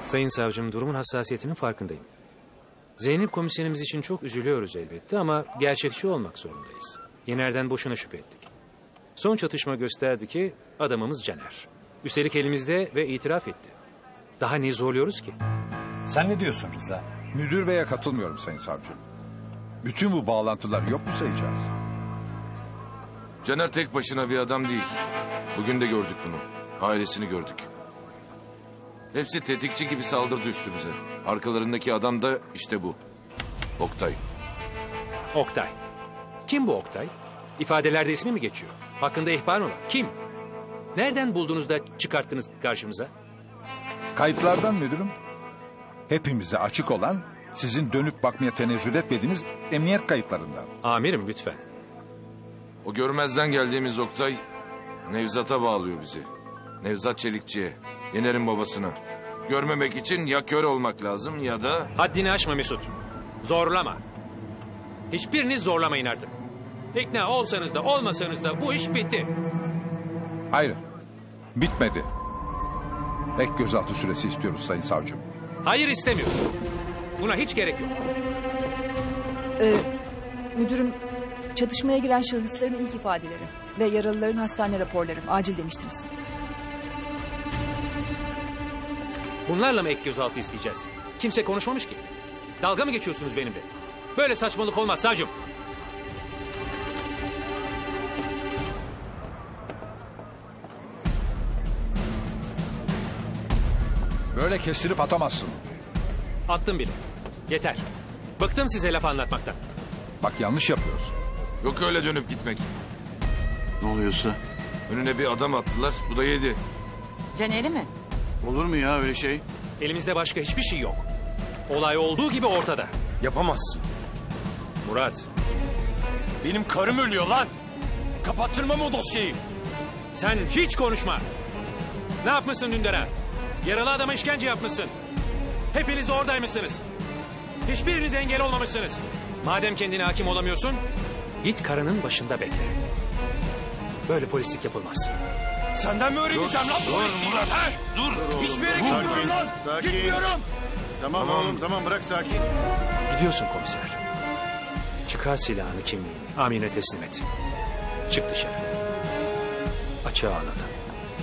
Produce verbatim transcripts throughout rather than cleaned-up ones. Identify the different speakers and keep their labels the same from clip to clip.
Speaker 1: Sayın savcım, durumun hassasiyetinin farkındayım. Zeynep komiserimiz için çok üzülüyoruz elbette ama gerçekçi olmak zorundayız. Yener'den boşuna şüphe ettik. Son çatışma gösterdi ki adamımız Caner. Üstelik elimizde ve itiraf etti. Daha ne zorluyoruz ki?
Speaker 2: Sen ne diyorsun Rıza?
Speaker 3: Müdür beye katılmıyorum sayın savcı. Bütün bu bağlantıları yok mu sayacağız?
Speaker 4: Caner tek başına bir adam değil. Bugün de gördük bunu. Ailesini gördük. Hepsi tetikçi gibi saldırdı üstümüze. Arkalarındaki adam da işte bu. Oktay.
Speaker 1: Oktay. Kim bu Oktay? İfadelerde ismi mi geçiyor? Hakkında ihbar mı var? Kim? Nereden buldunuz da çıkarttınız karşımıza?
Speaker 3: Kayıtlardan müdürüm. Hepimize açık olan, sizin dönüp bakmaya tenezzül etmediğiniz emniyet kayıtlarından.
Speaker 1: Amirim lütfen.
Speaker 4: O görmezden geldiğimiz Oktay Nevzat'a bağlıyor bizi. Nevzat Çelikçi'ye. Yener'in babasına. Görmemek için ya kör olmak lazım ya da...
Speaker 1: Haddini aşma Mesut. Zorlama. Hiçbiriniz zorlamayın artık. İkna olsanız da olmasanız da bu iş bitti.
Speaker 3: Hayır, bitmedi. Ek gözaltı süresi istiyoruz sayın savcım.
Speaker 1: Hayır istemiyorum. Buna hiç gerek yok.
Speaker 5: Ee, müdürüm, çatışmaya giren şahısların ilk ifadeleri ve yaralıların hastane raporları acil demiştiniz.
Speaker 1: Bunlarla mı ek gözaltı isteyeceğiz? Kimse konuşmamış ki. Dalga mı geçiyorsunuz benimle? Böyle saçmalık olmaz savcım.
Speaker 3: Böyle kestirip atamazsın.
Speaker 1: Attım bile. Yeter. Bıktım size laf anlatmaktan.
Speaker 3: Bak yanlış yapıyorsun.
Speaker 4: Yok öyle dönüp gitmek.
Speaker 6: Ne oluyorsa?
Speaker 4: Önüne bir adam attılar. Bu da yedi.
Speaker 7: Caner'i mi?
Speaker 6: Olur mu ya öyle şey?
Speaker 1: Elimizde başka hiçbir şey yok. Olay olduğu gibi ortada.
Speaker 2: Yapamazsın.
Speaker 1: Murat,
Speaker 2: Benim karım ölüyor lan. Kapattırmam o dosyayı.
Speaker 1: sen hiç konuşma. Ne yapmışsın Dündar'a? Yaralı adama işkence yapmışsın. Hepiniz de oradaymışsınız. Hiçbiriniz engel olmamışsınız. Madem kendine hakim olamıyorsun, git karının başında bekle. Böyle polislik yapılmaz.
Speaker 2: Senden mi öğreneceğim lan bu işi?
Speaker 6: Murat,
Speaker 2: Ha?
Speaker 6: dur.
Speaker 2: Hiçbir yere
Speaker 6: Dur.
Speaker 2: gitmiyorum lan.
Speaker 6: Sakin.
Speaker 2: Gitmiyorum.
Speaker 6: Tamam,
Speaker 4: Tamam.
Speaker 6: oğlum tamam bırak sakin.
Speaker 1: Gidiyorsun komiser. Çıkar silahını, kimliğini. Amine teslim et. Çık dışarı. Açığa al adam.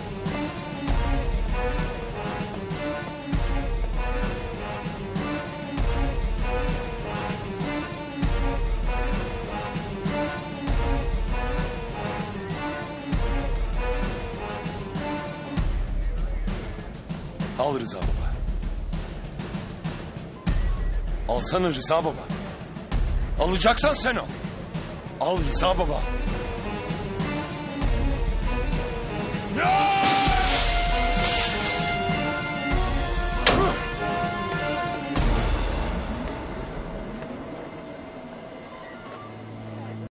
Speaker 2: Al Rıza baba. Alsana Rıza baba. Alacaksan sen al. Al Rıza baba. Ya!